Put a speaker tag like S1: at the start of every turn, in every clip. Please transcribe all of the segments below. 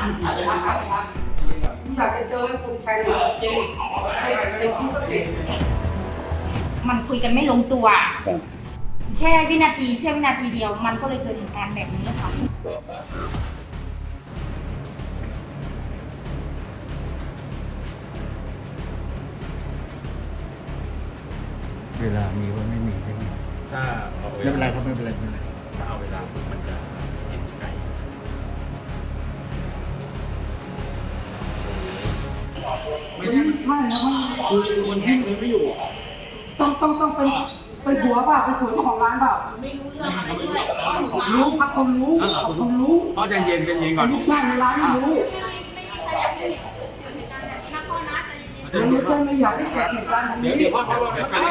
S1: อยากจะเจอคนแทงจริงไอ้คุกก็ติด
S2: มันคุยกันไม่ลงตัวแค่วินาทีเสี้ยววินาทีเดียวมันก็เลยเกิดเหตุการณ์แบบนี้ค่ะ
S3: เวลามีว่าไม่มีใช่ไหม
S4: ถ้าเอาเว
S3: ไม่เป็นไร
S4: ลา
S3: ครับไม่เป็นไร
S4: ถ้าเอาเวลาปุ๊บมันจะเห็นไกลไม่ใช่
S1: นะ
S4: คือคนแทงเลยไม่อยู่
S1: ต้องเป็นผัวเปล่าเป็นผัวเจ้าของร้านเปล่าไม่รู้เรื่องอะไรด้วยรู้ครับคนรู้
S4: เพราะใจเย็นก่อน
S1: ลูกจ้างในร้านไม่รู้มันไม่ใช่ไม่อยากให้เกิดเหตุการณ์แบบนี้
S4: เดี๋ยวพ่อเดี๋ยวกัน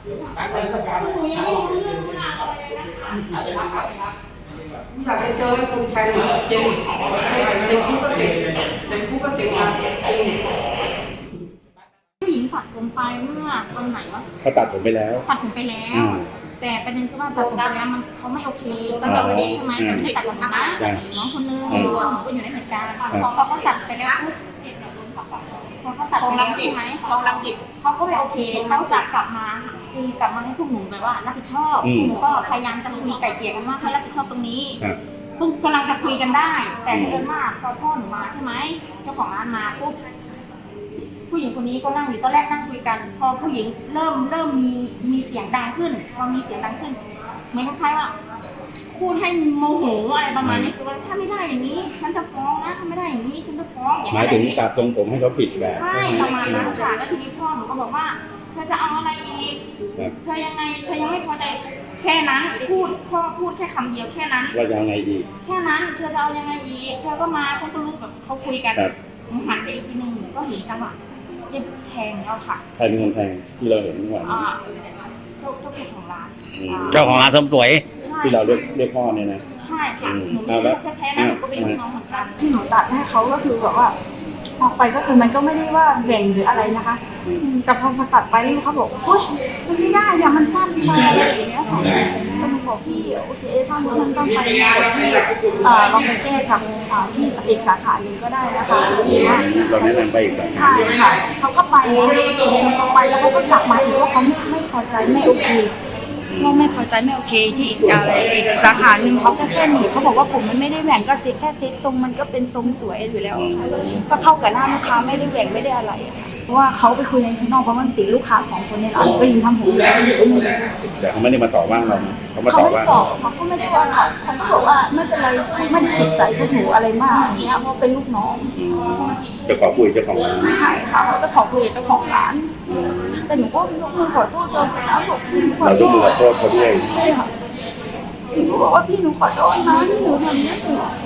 S1: อยากจะเจอคนแทงจริงไอ้คุกก็ติดนะจริง
S2: ผู้หญิงตัดผมไปเมื่อตอนไหนวะ
S5: เขาตัดผมไปแล้ว
S2: ตัดผมไปแล้วแต่ประเด็นคือว่าตัดผมไปแล้วมันเขาไม่โอเคใช่ไหมมันไม่ตัดผมนะน้องคนนึงน้องก็อยู่ในเหตุการณ์พอเขาตัดไปแล้วปุ๊บพอเขาตัดไปแล้วใช่ไหมเขาก็ไม่โอเคเขาจะกลับมาคือกลับมาให้พวกหนูแบบว่ารับผิดชอบหนูก็พยายามจะคุยไก่เกลี่ยกันว่าให้รับผิดชอบตรงนี้เพิ่งกำลังจะคุยกันได้แต่เอิญว่าพอพ่อหนูมาใช่ไหมเจ้าของร้านมาปุ๊บผู้หญิงคนนี้ก็นั่งอยู่ตอนแรกนั่งคุยกันพอผู้หญิงเริ่มมีเสียงดังขึ้นพอมีเสียงดังขึ้นเหมือนคล้ายๆว่าพูดให้โมโหอะไรประมาณนี้คือว่าถ้าไม่ได้อย่างนี้ฉันจะฟ้องนะถ้าไม่ได้อย่างนี้ฉันจะฟ้องอย่าง
S5: หมายถึงตัดทรงผมให้เขาผิดแบบ
S2: ใช่ประมาณนั้นค่ะแล้วทีนี้พ่อหนูก็บอกว่าเธอจะเอาอะไรอีกเธอยังไงเธอยังไม่พอใจแค่นั้นพ่อพูดแค่คำเดียวแค่นั้น
S5: เราจะเอาไงอีก
S2: แค่นั้นเธอจะเอายังไงอีกเธอก็มาฉันก็รู้แบบเขาคุยกันหันไปอีกทีนึงก็เห็นจังหวะแทงแล้วค่ะ
S5: ใครเป็นคนแทงที่เราเห็นเมื่อวาน
S2: เจ้าของร้าน
S3: เจ้าของร้านเสริมสวย
S5: ที่เราเรียกพ่อเนี่ยนะ
S2: ใช่ค่ะหนูไม่ใช่ลูกแท้ๆนะหนูก็เป็นพี่น้องเหมือนกันที่หนูตัดให้เขาก็คือแบบว่าออกไปก็คือมันก็ไม่ได้ว่าแหว่งหรืออะไรนะคะแต่พอมาตัดไปนี่เขาบอกเฮ้ยมันไม่ได้อย่ามันสั้นไปอะไรอย่างเงี้ยค่ะก็หนูบอกพี่โอเคถ้ามันต้องไปที่ลองไปแก้กับที่อีกสาขาหนึ่งก็ได้นะคะ
S5: เราแนะนำไปอีกสาขา
S2: ใช่ค่ะเขาก็ไปแล้วเขาก็กลับมาอีกว่าเขาไม่พอใจไม่โอเคว่าไม่พอใจไม่โอเคที่อีกสาขาหนึ่งเขาแค่หนีเขาบอกว่าผมมันไม่ได้แหว่งก็แค่เซ็ตทรงมันก็เป็นทรงสวยอยู่แล้วก็เข้ากับหน้าลูกค้าไม่ได้แหว่งไม่ได้อะไรเพราะว่าเขาไปคุยในข้างนอกเพราะมันติดลูกค้า2 คนในร้านก็ยิงทำผมอยู่
S5: แต่เขาไม่ได้มาต่อว่าเราเขาไม่ได้
S2: เขาก็ไม่ได้ว่าเขาก็บอกว่าไม่เป็นไรเขาไม่ได้ติดใจพวกหนูอะไรมากอย่างเงี้ยเพราะเป็นลูกน้อง
S5: จะขอคุยเจ้าของร้าน
S2: ใช่ค่ะเขาจะขอคุยกับเจ้าของร้านแต่หนูก็ยกมือขอโทษเราแล้วบอกพี่ขอโทษ
S5: เรายกมือขอโทษเขาด้วย
S2: ใช่ค่ะหนูบอกว่าพี่หนูขอโทษนะที่หนูทำนี้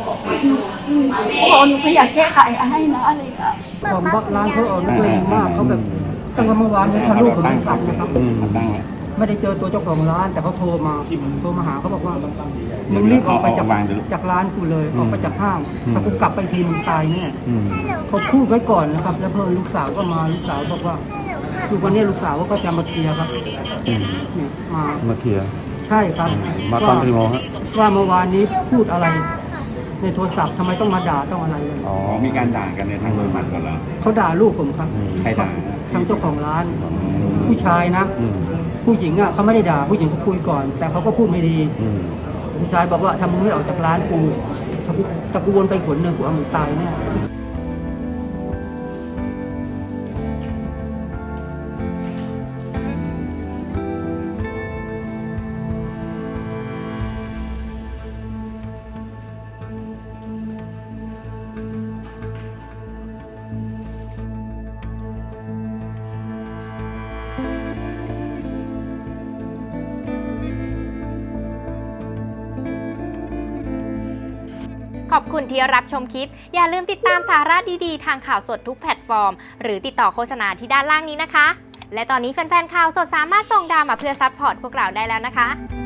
S2: หนูไม่อยากแก้ไขให้นะอะไรอย่างเงี้ย
S1: ผมบอกร้านเขาเอานักเลงมากเขาแบบตั้งแต่เมื่อวานนี้ทะลุผมไม่กลับนะครับไม่ได้เจอตัวเจ้าของร้านแต่เขาโทรมาหาเขาบอกว่ามึงรีบออกไปจากร้านกูเลยออกไปจากห้างถ้ากูกลับไปทีมึงตายแน่เขาพูดไว้ก่อนนะครับแล้วเพิ่มลูกสาวก็มาลูกสาวบอกว่าคือวันนี้ลูกสาวก็จะมาเคลียร์ครับ
S3: มาเคลียร์
S1: ใช่ครับ
S3: มาตอนกี่โมงฮะ
S1: ว่าเมื่อวานนี้พูดอะไรในโทรศัพท์ทำไมต้องมาด่าต้องอะไรเลย
S5: อ๋อมีการด่ากันในทางโทรศัพท์กันเหรอ
S1: เขาด่าลูกผมครับ
S5: ใครด่า
S1: ทางเจ้าของร้านผู้ชายนะผู้หญิงอ่ะเขาไม่ได้ด่าผู้หญิงเขาคุยก่อนแต่เขาก็พูดไม่ดีผู้ชายบอกว่าถ้ามึงไม่ออกจากร้านกูถ้ากูวนไปขนหนึ่งกูเอามึงตายแน่
S6: ขอบคุณที่รับชมคลิปอย่าลืมติดตามสาระดีๆทางข่าวสดทุกแพลตฟอร์มหรือติดต่อโฆษณาที่ด้านล่างนี้นะคะและตอนนี้แฟนๆข่าวสดสามารถส่งดาวมาเพื่อซัพพอร์ตพวกเราได้แล้วนะคะ